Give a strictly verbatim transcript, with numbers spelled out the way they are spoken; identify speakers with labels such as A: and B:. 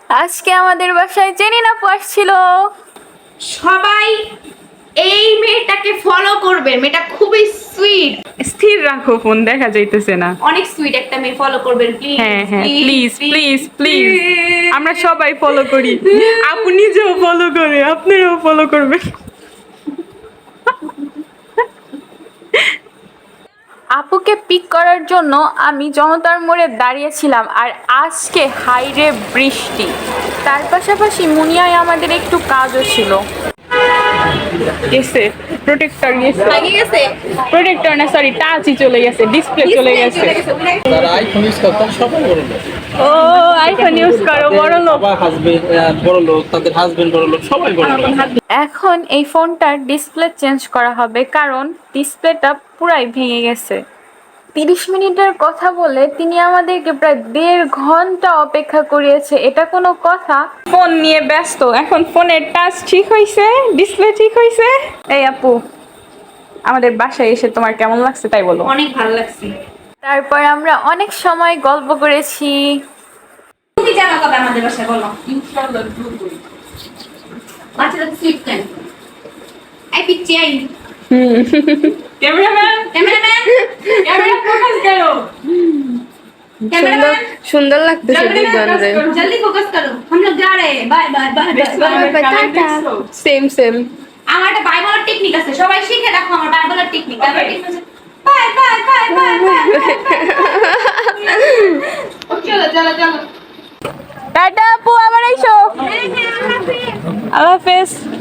A: আজকে আমাদের বাসায় জেনিন আপু আসছিল।
B: সবাই এই মেয়েটাকে ফলো করবে, মেয়েটা খুবই সুইট।
C: স্থির রাখো, ফোন দেখা যাইতেছে না।
B: অনেক সুইট একটা মেয়ে, ফলো করবেন প্লিজ।
C: হ্যাঁ হ্যাঁ, প্লিজ প্লিজ প্লিজ, আমরা সবাই ফলো করি। আপু নিজেও ফলো করে, আপনারাও ফলো করবেন।
A: আপুকে পিক করার জন্য আমি জনতার মোড়ে দাঁড়িয়েছিলাম, আর আজকে হাইরে বৃষ্টি, তার পাশাপাশি মুনিয়ায় আমাদের একটু কাজও ছিল।
C: গেছে প্রোটেক্টর, গেছে
B: আগে গেছে
C: প্রোটেক্টর না, সরি টাচই চলে গেছে, ডিসপ্লে চলে গেছে।
D: যারা আইফোন ইউজ করে তারা সবাই বড় লোক।
C: ও আইফোন ইউজ করো, বড় লোক।
D: সবার হাজবেন্ড বড় লোক, তাদের হাজবেন্ড বড় লোক, সবাই বড় লোক।
A: এখন এই ফোনটার ডিসপ্লে চেঞ্জ করা হবে, কারণ ডিসপ্লেটা পুরাই ভেঙে গেছে। তিরিশ মিনিটের কথা বলে তিনি আমাদেরকে প্রায় দেড় ঘন্টা অপেক্ষা করিয়েছে, এটা কোনো কথা?
C: ফোন নিয়ে ব্যস্ত, এখন ফোনের টাচ ঠিক হইছে, ডিসপ্লে ঠিক হইছে। এই আপু, আমাদের বাসায় এসে তোমার কেমন লাগছে তাই বলো।
B: অনেক ভালো লাগছে।
A: তারপর আমরা অনেক সময় গল্প করেছি।
B: তুমি জানো কবে আমাদের বাসায়, বলো। বাচ্চারা সুইট কেন? আই পিচ্ছি আই।
C: ক্যামেরাম্যান,
B: ক্যামেরাম্যান,
C: ক্যামেরা ফোকাস করো।
B: कैमरामैन
E: सुंदर लगते से दी बन रहे।
B: जल्दी फोकस करो, हम लोग जा रहे हैं। Bye bye bye bye
E: tata same same
B: আমার একটা বাই বলার টেকনিক আছে, সবাই শিখে রাখো আমার বাই বলার টেকনিক। আমার টেকনিক আছে bye bye bye bye bye. চলো চলো চলো,
C: টাটা আপু, আবার আইসো।
B: হ্যাঁ হ্যাঁ, আল্লাহ হাফেজ।
C: আল্লাহ হাফেজ।